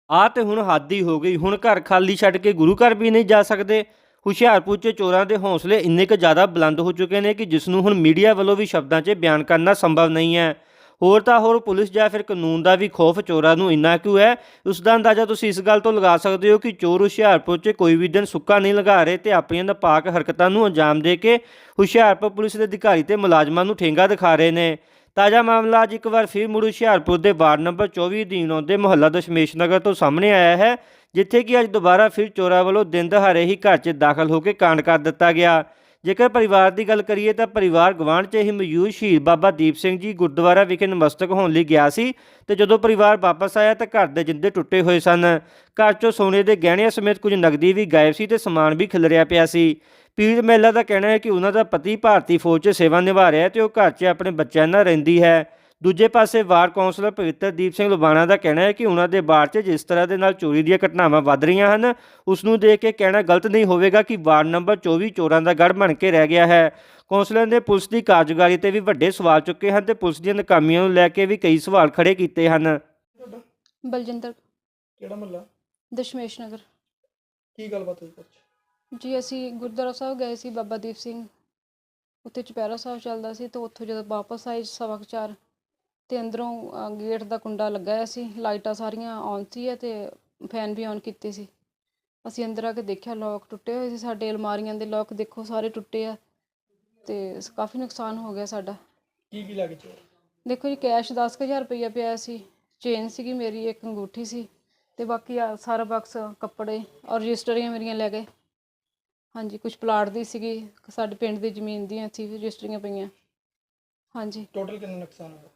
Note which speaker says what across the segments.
Speaker 1: ਆਹ ਤੇ ਹੁਣ ਹੱਦ ਹੀ ਹੋ ਗਈ। ਹੁਣ ਘਰ ਖਾਲੀ ਛੱਡ ਕੇ ਗੁਰੂ ਘਰ ਵੀ ਨਹੀਂ ਜਾ ਸਕਦੇ। ਹੁਸ਼ਿਆਰਪੁਰ 'ਚ ਚੋਰਾਂ ਦੇ ਹੌਸਲੇ ਇੰਨੇ ਕੁ ਜ਼ਿਆਦਾ ਬੁਲੰਦ ਹੋ ਚੁੱਕੇ ਨੇ ਕਿ ਜਿਸ ਨੂੰ ਹੁਣ ਮੀਡੀਆ ਵੱਲੋਂ ਵੀ ਸ਼ਬਦਾਂ 'ਚ ਬਿਆਨ ਕਰਨਾ ਸੰਭਵ ਨਹੀਂ ਹੈ। ਹੋਰ ਤਾਂ ਹੋਰ ਪੁਲਿਸ ਜਾਂ ਫਿਰ ਕਾਨੂੰਨ ਦਾ ਵੀ ਖੌਫ ਚੋਰਾਂ ਨੂੰ ਇੰਨਾ ਕਿਉਂ ਹੈ, ਉਸ ਦਾ ਅੰਦਾਜ਼ਾ ਤੁਸੀਂ ਇਸ ਗੱਲ ਤੋਂ ਲਗਾ ਸਕਦੇ ਹੋ ਕਿ ਚੋਰ ਹੁਸ਼ਿਆਰਪੁਰ 'ਚ ਕੋਈ ਵੀ ਦਿਨ ਸੁੱਕਾ ਨਹੀਂ ਲਗਾ ਰਹੇ ਤੇ ਆਪਣੀਆਂ ਨਾਪਾਕ ਹਰਕਤਾਂ ਨੂੰ ਅੰਜਾਮ ਦੇ ਕੇ ਹੁਸ਼ਿਆਰਪੁਰ ਪੁਲਿਸ ਦੇ ਅਧਿਕਾਰੀ ਤੇ ਮੁਲਾਜ਼ਮਾਂ ਨੂੰ ਠੇਂਗਾ ਦਿਖਾ ਰਹੇ ਨੇ। ਤਾਜ਼ਾ ਮਾਮਲਾ ਅੱਜ ਇੱਕ ਵਾਰ ਫਿਰ ਮੁੜ ਹੁਸ਼ਿਆਰਪੁਰ ਦੇ ਵਾਰਡ ਨੰਬਰ 24 ਅਧੀਨ ਆਉਂਦੇ ਮੁਹੱਲਾ ਦਸ਼ਮੇਸ਼ ਨਗਰ ਤੋਂ ਸਾਹਮਣੇ ਆਇਆ ਹੈ, ਜਿੱਥੇ ਕਿ ਅੱਜ ਦੁਬਾਰਾ ਫਿਰ ਚੋਰਾਂ ਵੱਲੋਂ ਦਿਨ ਦਹਾੜੇ ਹੀ ਘਰ 'ਚ ਦਾਖਲ ਹੋ ਕੇ ਕਾਂਡ ਕਰ ਦਿੱਤਾ ਗਿਆ। ਜੇਕਰ ਪਰਿਵਾਰ ਦੀ ਗੱਲ ਕਰੀਏ ਤਾਂ ਪਰਿਵਾਰ ਗਵਾਂਢ 'ਚ ਹੀ ਮੌਜੂਦ ਸ਼ਹੀਦ ਬਾਬਾ ਦੀਪ ਸਿੰਘ ਜੀ ਗੁਰਦੁਆਰਾ ਵਿਖੇ ਨਮਸਤਕ ਹੋਣ ਲਈ ਗਿਆ ਸੀ ਤੇ ਜਦੋਂ ਪਰਿਵਾਰ ਵਾਪਸ ਆਇਆ ਤਾਂ ਘਰ ਦੇ ਜਿੰਦੇ ਟੁੱਟੇ ਹੋਏ ਸਨ। ਘਰ 'ਚੋਂ ਸੋਨੇ ਦੇ ਗਹਿਣਿਆਂ ਸਮੇਤ ਕੁਝ ਨਕਦੀ ਵੀ ਗਾਇਬ ਸੀ ਤੇ ਸਮਾਨ ਵੀ ਖਿਲਰਿਆ ਪਿਆ ਸੀ। ਪੀੜਤ ਮਹਿਲਾ ਦਾ ਕਹਿਣਾ ਹੈ ਕਿ ਉਹਨਾਂ ਦਾ ਪਤੀ ਭਾਰਤੀ ਫੌਜ 'ਚ ਸੇਵਾ ਨਿਭਾ ਰਿਹਾ ਤੇ ਉਹ ਘਰ 'ਚ ਆਪਣੇ ਬੱਚਿਆਂ ਨਾਲ ਰਹਿੰਦੀ ਹੈ। ਦੂਜੇ ਪਾਸੇ ਵਾਰਡ ਕੌਂਸਲਰ ਪਵਿੱਤਰਦੀਪ ਸਿੰਘ ਲੁਬਾਣਾ ਦਾ ਕਹਿਣਾ ਹੈ ਕਿ ਉਹਨਾਂ ਦੇ ਵਾਰਡ 'ਚ ਜਿਸ ਤਰ੍ਹਾਂ ਦੇ ਨਾਲ ਚੋਰੀ ਦੀਆਂ ਘਟਨਾਵਾਂ ਵੱਧ ਰਹੀਆਂ ਹਨ, ਉਸ ਨੂੰ ਦੇਖ ਕੇ ਕਹਿਣਾ ਗਲਤ ਨਹੀਂ ਹੋਵੇਗਾ ਕਿ ਵਾਰਡ ਨੰਬਰ 24 ਚੋਰਾਂ ਦਾ ਗੜ੍ਹ ਬਣ ਕੇ ਰਹਿ ਗਿਆ ਹੈ। ਕੌਂਸਲਰ ਨੇ ਪੁਲਿਸ ਦੀ ਕਾਰਜਕਾਰੀ ਤੇ ਵੀ ਵੱਡੇ ਸਵਾਲ ਚੁੱਕੇ ਹਨ ਤੇ ਪੁਲਿਸ ਦੀਆਂ ਨਾਕਾਮੀਆਂ ਨੂੰ ਲੈ ਕੇ ਵੀ ਕਈ ਸਵਾਲ ਖੜੇ ਕੀਤੇ ਹਨ।
Speaker 2: ਤੁਹਾਡਾ
Speaker 3: ਬਲਜਿੰਦਰ
Speaker 2: ਕਿਹੜਾ ਮਹੱਲਾ?
Speaker 3: ਦਸ਼ਮੇਸ਼ ਨਗਰ।
Speaker 2: ਕੀ ਗੱਲਬਾਤ ਹੋਈ ਕੁਛ?
Speaker 3: ਜੀ ਅਸੀਂ ਗੁਰਦੁਆਰਾ ਸਾਹਿਬ ਗਏ ਸੀ ਬਾਬਾ ਦੀਪ ਸਿੰਘ, ਉੱਥੇ ਚੁਪਹਿਰਾ ਸਾਹਿਬ ਚੱਲਦਾ ਸੀ ਤੇ ਉੱਥੋਂ ਜਦੋਂ ਵਾਪਸ ਆਏ 4:15 ਤੇ ਅੰਦਰੋਂ ਗੇਟ ਦਾ ਕੁੰਡਾ ਲੱਗਾ ਹੋਇਆ ਸੀ, ਲਾਈਟਾਂ ਸਾਰੀਆਂ ਔਨ ਸੀ ਅਤੇ ਫੈਨ ਵੀ ਔਨ ਕੀਤੇ ਸੀ। ਅਸੀਂ ਅੰਦਰ ਆ ਕੇ ਦੇਖਿਆ ਲੋਕ ਟੁੱਟੇ ਹੋਏ ਸੀ, ਸਾਡੇ ਅਲਮਾਰੀਆਂ ਦੇ ਲੋਕ ਦੇਖੋ ਸਾਰੇ ਟੁੱਟੇ ਆ ਤੇ ਕਾਫੀ ਨੁਕਸਾਨ ਹੋ ਗਿਆ ਸਾਡਾ।
Speaker 2: ਕੀ ਲੈ ਕੇ ਚੋਰ?
Speaker 3: ਦੇਖੋ ਜੀ ਕੈਸ਼ 10,000 ਰੁਪਈਆ ਪਿਆ ਸੀ, ਚੇਨ ਸੀਗੀ ਮੇਰੀ, ਇੱਕ ਅੰਗੂਠੀ ਸੀ ਤੇ ਬਾਕੀ ਸਾਰਾ ਬਕਸ ਕੱਪੜੇ ਔਰ ਰਜਿਸਟਰੀਆਂ ਮੇਰੀਆਂ ਲੈ ਗਏ। ਹਾਂਜੀ, ਕੁਝ ਪਲਾਟ ਦੀ ਸੀਗੀ, ਸਾਡੇ ਪਿੰਡ ਦੀ ਜ਼ਮੀਨ ਦੀਆਂ ਸੀ ਰਜਿਸਟਰੀਆਂ ਪਈਆਂ। ਹਾਂਜੀ,
Speaker 2: ਟੋਟਲ ਕਿੰਨਾ ਨੁਕਸਾਨ ਹੋਇਆ?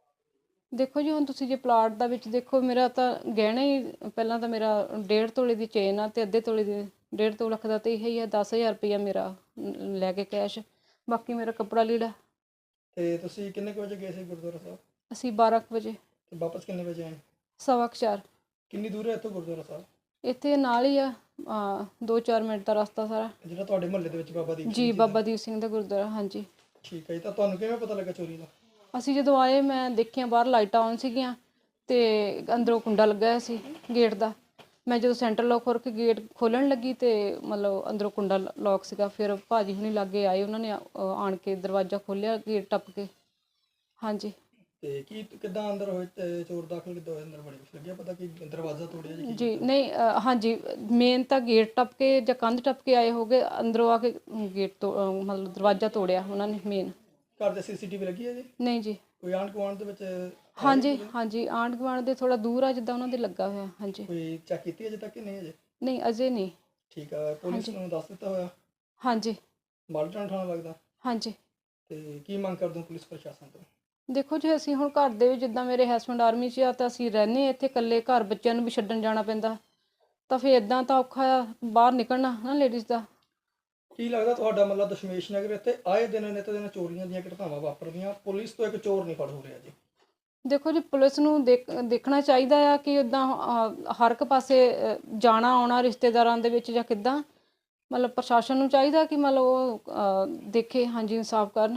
Speaker 3: ਦੇਖੋ ਜੀ ਹੁਣ ਤੁਸੀਂ ਜੇ ਪਲਾਟ ਦਾ ਵਿੱਚ ਦੇਖੋ, ਮੇਰਾ ਤਾਂ ਗਹਿਣਾ ਹੀ ਪਹਿਲਾਂ ਤਾਂ ਮੇਰਾ 1.5 ਤੋਲੇ ਦੀ ਚੇਨ ਆ ਤੇ ਅੱਧੇ ਤੋਲੇ ਦੀ 1.5 ਲੱਖ ਦਾ ਤੇ ਇਹ ਹੀ ਆ। 10,000 ਰੁਪਈਆ ਮੇਰਾ ਲੈ ਕੇ ਕੈਸ਼, ਬਾਕੀ ਮੇਰਾ ਕੱਪੜਾ ਲੀੜਾ।
Speaker 2: ਤੇ ਤੁਸੀਂ ਕਿੰਨੇ ਕੁ ਵਜੇ ਗਏ ਸੀ ਗੁਰਦੁਆਰਾ ਸਾਹਿਬ
Speaker 3: ਅਸੀਂ 12 ਕੁ ਵਜੇ,
Speaker 2: ਤੇ ਵਾਪਸ ਕਿੰਨੇ ਵਜੇ ਆਏ?
Speaker 3: 4:15।
Speaker 2: ਕਿੰਨੀ ਦੂਰ ਹੈ ਇੱਥੋਂ ਗੁਰਦੁਆਰਾ ਸਾਹਿਬ?
Speaker 3: ਇੱਥੇ ਨਾਲ ਹੀ ਆ, 2-4 ਮਿੰਟ ਦਾ ਰਸਤਾ ਸਾਰਾ।
Speaker 2: ਜਿਹੜਾ ਤੁਹਾਡੇ ਮੁਹੱਲੇ ਦੇ ਵਿੱਚ ਬਾਬਾ ਦੀਪ ਸਿੰਘ
Speaker 3: ਜੀ
Speaker 2: ਜੀ ਦਾ?
Speaker 3: ਬਾਬਾ ਦੀਪ ਸਿੰਘ ਦਾ ਗੁਰਦੁਆਰਾ। ਹਾਂਜੀ,
Speaker 2: ਠੀਕ ਹੈ ਜੀ। ਤਾਂ ਤੁਹਾਨੂੰ ਕਿਵੇਂ ਪਤਾ ਲੱਗਾ ਚੋਰੀ ਦਾ?
Speaker 3: ਅਸੀਂ ਜਦੋਂ ਆਏ ਮੈਂ ਦੇਖਿਆ ਬਾਹਰ ਲਾਈਟਾਂ ਔਨ ਸੀਗੀਆਂ ਤੇ ਅੰਦਰੋਂ ਕੁੰਡਾ ਲੱਗਾ ਹੋਇਆ ਸੀ ਗੇਟ ਦਾ। ਮੈਂ ਜਦੋਂ ਸੈਂਟਰ ਲੋਕ ਖੋਲ ਕੇ ਗੇਟ ਖੋਲ੍ਹਣ ਲੱਗੀ ਤੇ ਮਤਲਬ ਅੰਦਰੋਂ ਕੁੰਡਾ ਲੋਕ ਸੀਗਾ। ਫਿਰ ਭਾਜੀ ਹੁਣੀ ਲਾਗੇ ਆਏ, ਉਹਨਾਂ ਨੇ ਆਣ ਕੇ ਦਰਵਾਜ਼ਾ ਖੋਲ੍ਹਿਆ ਗੇਟ ਟੱਪ ਕੇ। ਹਾਂਜੀ।
Speaker 2: ਤੇ ਕੀ ਕਿੱਦਾਂ ਅੰਦਰ ਹੋਏ ਤੇ ਚੋਰ ਦਾਖਲ ਕਿੱਦਾਂ ਹੋਏ ਅੰਦਰ? ਬੜੀ ਕੁਛ ਲੱਗਿਆ ਪਤਾ ਕਿ ਦਰਵਾਜ਼ਾ ਤੋੜਿਆ ਜੀ?
Speaker 3: ਜੀ ਨਹੀਂ, ਹਾਂਜੀ ਮੇਨ ਤਾਂ ਗੇਟ ਟੱਪ ਕੇ ਜਾਂ ਕੰਧ ਟੱਪ ਕੇ ਆਏ ਹੋਗੇ, ਅੰਦਰੋਂ ਆ ਕੇ ਗੇਟ ਤੋਂ ਮਤਲਬ ਦਰਵਾਜ਼ਾ ਤੋੜਿਆ ਉਹਨਾਂ ਨੇ ਮੇਨ।
Speaker 2: ਘਰ ਦੇ CCTV ਲੱਗੀ ਹੈ ਜੀ?
Speaker 3: ਨਹੀਂ ਜੀ।
Speaker 2: ਕੋਈ ਆਂਢ ਗੁਆਂਢ ਦੇ ਵਿੱਚ?
Speaker 3: ਹਾਂਜੀ ਹਾਂਜੀ, ਆਂਢ ਗੁਆਂਢ ਦੇ ਥੋੜਾ ਦੂਰ ਆ ਜਿੱਦਾਂ ਉਹਨਾਂ ਦੇ ਲੱਗਾ ਹੋਇਆ। ਹਾਂਜੀ।
Speaker 2: ਕੋਈ ਚੈੱਕ ਕੀਤੀ ਅਜੇ ਤੱਕ ਕਿ ਨਹੀਂ? ਅਜੇ
Speaker 3: ਨਹੀਂ, ਅਜੇ ਨਹੀਂ।
Speaker 2: ਠੀਕ ਆ। ਪੁਲਿਸ ਨੂੰ ਦੱਸ ਦਿੱਤਾ ਹੋਇਆ?
Speaker 3: ਹਾਂਜੀ
Speaker 2: ਮਾਲਟਨ ਥਾਣਾ ਲੱਗਦਾ?
Speaker 3: ਹਾਂਜੀ।
Speaker 2: ਤੇ ਕੀ ਮੰਗ ਕਰਦੇ ਹੋ ਪੁਲਿਸ ਪ੍ਰਸ਼ਾਸਨ ਤੋਂ?
Speaker 3: ਦੇਖੋ ਜੀ ਅਸੀਂ ਹੁਣ ਘਰ ਦੇ ਵਿੱਚ, ਜਿੱਦਾਂ ਮੇਰੇ ਹਸਬੈਂਡ ਆਰਮੀ 'ਚ ਆ ਤਾਂ ਅਸੀਂ ਰਹਿੰਦੇ ਇੱਥੇ ਇਕੱਲੇ, ਘਰ ਬੱਚਿਆਂ ਨੂੰ ਵੀ ਛੱਡਣ ਜਾਣਾ ਪੈਂਦਾ ਤਾਂ ਫਿਰ ਇੱਦਾਂ ਤਾਂ ਔਖਾ ਆ ਬਾਹਰ ਨਿਕਲਣਾ ਨਾ ਲੇਡੀਜ਼ ਦਾ।
Speaker 2: ਕੀ ਲੱਗਦਾ ਤੁਹਾਡਾ ਮਤਲਬ ਦਸ਼ਮੇਸ਼ ਨਗਰ ਇੱਥੇ ਆਏ ਦਿਨ ਨਿੱਤ ਦਿਨ ਚੋਰੀਆਂ ਦੀਆਂ ਘਟਨਾਵਾਂ ਵਾਪਰਦੀਆਂ, ਪੁਲਿਸ ਤੋਂ ਇੱਕ ਚੋਰ ਨਹੀਂ ਫੜ ਹੋ ਰਿਹਾ ਜੀ?
Speaker 3: ਦੇਖੋ ਜੀ ਪੁਲਿਸ ਨੂੰ ਦੇਖਣਾ ਚਾਹੀਦਾ ਆ ਕਿ ਇੱਦਾਂ ਹਰ ਇੱਕ ਪਾਸੇ ਜਾਣਾ ਆਉਣਾ ਰਿਸ਼ਤੇਦਾਰਾਂ ਦੇ ਵਿੱਚ ਜਾਂ ਕਿੱਦਾਂ, ਮਤਲਬ ਪ੍ਰਸ਼ਾਸਨ ਨੂੰ ਚਾਹੀਦਾ ਕਿ ਮਤਲਬ ਉਹ ਦੇਖੇ। ਹਾਂਜੀ, ਇਨਸਾਫ ਕਰਨ।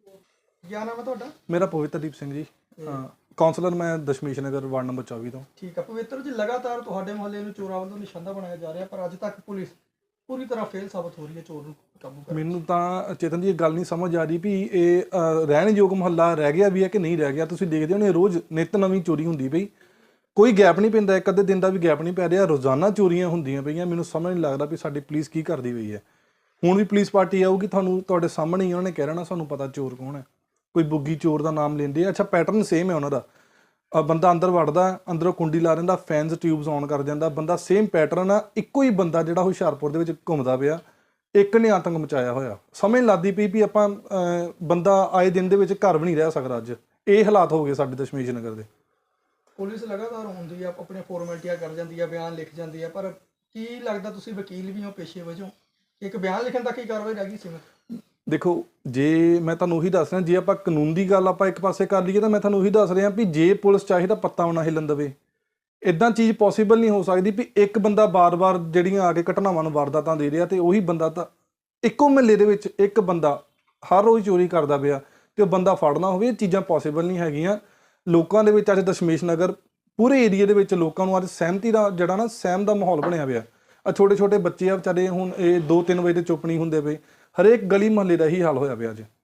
Speaker 2: ਕੀ ਨਾਮ ਹੈ ਤੁਹਾਡਾ?
Speaker 4: ਮੇਰਾ ਪਵਿੱਤਰਦੀਪ ਸਿੰਘ ਜੀ, ਕਾਉਂਸਲਰ ਮੈਂ ਦਸ਼ਮੇਸ਼ ਨਗਰ ਵਾਰਡ ਨੰਬਰ 24 ਤੋਂ।
Speaker 2: ਠੀਕ ਆ ਪਵਿੱਤਰ ਜੀ, ਲਗਾਤਾਰ ਤੁਹਾਡੇ ਮੁਹੱਲੇ ਨੂੰ ਚੋਰਾਂ ਵੱਲੋਂ ਨਿਸ਼ਾਨਾ ਬਣਾਇਆ ਜਾ ਰਿਹਾ ਪਰ ਅੱਜ ਤੱਕ ਪੁਲਿਸ ਪੂਰੀ ਤਰ੍ਹਾਂ ਫੇਲ ਸਾਬਤ ਹੋ ਰਹੀ ਹੈ ਚੋਰ ਨੂੰ ਕਾਬੂ ਕਰਨ।
Speaker 4: ਮੈਨੂੰ ਤਾਂ ਚੇਤਨ ਜੀ ਇਹ ਗੱਲ ਨਹੀਂ ਸਮਝ ਆ ਰਹੀ ਵੀ ਇਹ ਰਹਿਣਯੋਗ ਮੁਹੱਲਾ ਰਹਿ ਗਿਆ ਵੀ ਹੈ ਕਿ ਨਹੀਂ ਰਹਿ ਗਿਆ। ਤੁਸੀਂ ਦੇਖਦੇ ਹੋਣੇ ਰੋਜ਼ ਨਿੱਤ ਨਵੀਂ ਚੋਰੀ ਹੁੰਦੀ ਪਈ, ਕੋਈ ਗੈਪ ਨਹੀਂ ਪੈਂਦਾ, ਇੱਕ ਅੱਧੇ ਦਿਨ ਦਾ ਵੀ ਗੈਪ ਨਹੀਂ ਪੈ ਰਿਹਾ, ਰੋਜ਼ਾਨਾ ਚੋਰੀਆਂ ਹੁੰਦੀਆਂ ਪਈਆਂ। ਮੈਨੂੰ ਸਮਝ ਨਹੀਂ ਲੱਗਦਾ ਵੀ ਸਾਡੀ ਪੁਲਿਸ ਕੀ ਕਰਦੀ ਪਈ ਹੈ। ਹੁਣ ਵੀ ਪੁਲਿਸ ਪਾਰਟੀ ਆਊਗੀ, ਤੁਹਾਨੂੰ ਤੁਹਾਡੇ ਸਾਹਮਣੇ ਹੀ ਉਹਨਾਂ ਨੇ ਕਹਿ ਰਹਿਣਾ ਸਾਨੂੰ ਪਤਾ ਚੋਰ ਕੌਣ ਹੈ। ਕੋਈ ਬੁੱਗੀ ਚੋਰ ਦਾ ਨਾਮ ਲੈਂਦੇ ਆ। ਅੱਛਾ, ਪੈਟਰਨ ਸੇਮ ਹੈ ਉਹਨਾਂ ਦਾ। ਬੰਦਾ ਅੰਦਰ ਵੜਦਾ, ਅੰਦਰੋਂ ਕੁੰਡੀ ਲਾ ਦਿੰਦਾ, ਫੈਨਸ ਟਿਊਬਸ ਔਨ ਕਰ ਜਾਂਦਾ, ਬੰਦਾ ਸੇਮ ਪੈਟਰਨ ਆ। ਇੱਕੋ ਹੀ ਬੰਦਾ ਜਿਹੜਾ ਹੁਸ਼ਿਆਰਪੁਰ ਦੇ ਵਿੱਚ ਘੁੰਮਦਾ ਪਿਆ, ਇੱਕ ਨੇ ਆਤੰਕ ਮਚਾਇਆ ਹੋਇਆ। ਸਮਝ ਲੱਗਦੀ ਪਈ ਵੀ ਆਪਾਂ ਬੰਦਾ ਆਏ ਦਿਨ ਦੇ ਵਿੱਚ ਘਰ ਵੀ ਨਹੀਂ ਰਹਿ ਸਕਦਾ। ਅੱਜ ਇਹ ਹਾਲਾਤ ਹੋ ਗਏ ਸਾਡੇ ਦਸ਼ਮੇਸ਼ ਨਗਰ ਦੇ।
Speaker 2: ਪੁਲਿਸ ਲਗਾਤਾਰ ਹੁੰਦੀ ਆ, ਆਪਣੀਆਂ ਫਾਰਮੈਲਿਟੀਆਂ ਕਰ ਜਾਂਦੀ ਆ, ਬਿਆਨ ਲਿਖ ਜਾਂਦੀ ਆ, ਪਰ ਕੀ ਲੱਗਦਾ ਤੁਸੀਂ ਵਕੀਲ ਵੀ ਹੋ ਪੇਸ਼ੇ ਵਜੋਂ, ਇੱਕ ਬਿਆਨ ਲਿਖਣ ਤੱਕ ਹੀ ਕਾਰਵਾਈ ਰਹਿ ਗਈ ਸੀਮਿਤ?
Speaker 4: ਦੇਖੋ, ਜੇ ਮੈਂ ਤੁਹਾਨੂੰ ਉਹੀ ਦੱਸ ਰਿਹਾ, ਜੇ ਆਪਾਂ ਕਾਨੂੰਨ ਦੀ ਗੱਲ ਆਪਾਂ ਇੱਕ ਪਾਸੇ ਕਰ ਲਈਏ ਤਾਂ ਮੈਂ ਤੁਹਾਨੂੰ ਉਹੀ ਦੱਸ ਰਿਹਾ ਵੀ ਜੇ ਪੁਲਿਸ ਚਾਹੇ ਤਾਂ ਪੱਤਾ ਨਾ ਹਿੱਲਣ ਦੇਵੇ। ਇੱਦਾਂ ਚੀਜ਼ ਪੋਸੀਬਲ ਨਹੀਂ ਹੋ ਸਕਦੀ ਵੀ ਇੱਕ ਬੰਦਾ ਬਾਰ-ਬਾਰ ਜਿਹੜੀਆਂ ਆ ਕੇ ਘਟਨਾਵਾਂ ਨੂੰ ਵਾਰਦਾਤਾਂ ਦੇ ਰਿਹਾ ਤੇ ਉਹੀ ਬੰਦਾ ਤਾਂ ਇੱਕੋ ਮਹੱਲੇ ਦੇ ਵਿੱਚ ਇੱਕ ਬੰਦਾ ਹਰ ਰੋਜ਼ ਚੋਰੀ ਕਰਦਾ ਪਿਆ ਤੇ ਉਹ ਬੰਦਾ ਫੜਨਾ ਹੋਵੇ। ਇਹ ਚੀਜ਼ਾਂ ਪੋਸੀਬਲ ਨਹੀਂ ਹੈਗੀਆਂ। ਲੋਕਾਂ ਦੇ ਵਿੱਚ ਅੱਜ ਦਸ਼ਮੇਸ਼ ਨਗਰ ਪੂਰੇ ਏਰੀਏ ਦੇ ਵਿੱਚ ਲੋਕਾਂ ਨੂੰ ਅੱਜ ਸਹਿਮਤੀ ਦਾ ਜਿਹੜਾ ਨਾ ਸਹਿਮ ਦਾ ਮਾਹੌਲ ਬਣਿਆ ਪਿਆ। ਆ ਛੋਟੇ ਛੋਟੇ ਬੱਚੇ ਆ ਵਿਚਾਰੇ ਹੁਣ ਇਹ 2-3 ਵਜੇ ਤੇ ਚੁੱਪ ਨਹੀਂ ਹੁੰਦੇ ਪਏ। ਹਰੇਕ ਗਲੀ ਮੁਹੱਲੇ ਦਾ ਹੀ ਹਾਲ ਹੋਇਆ ਪਿਆ ਅੱਜ।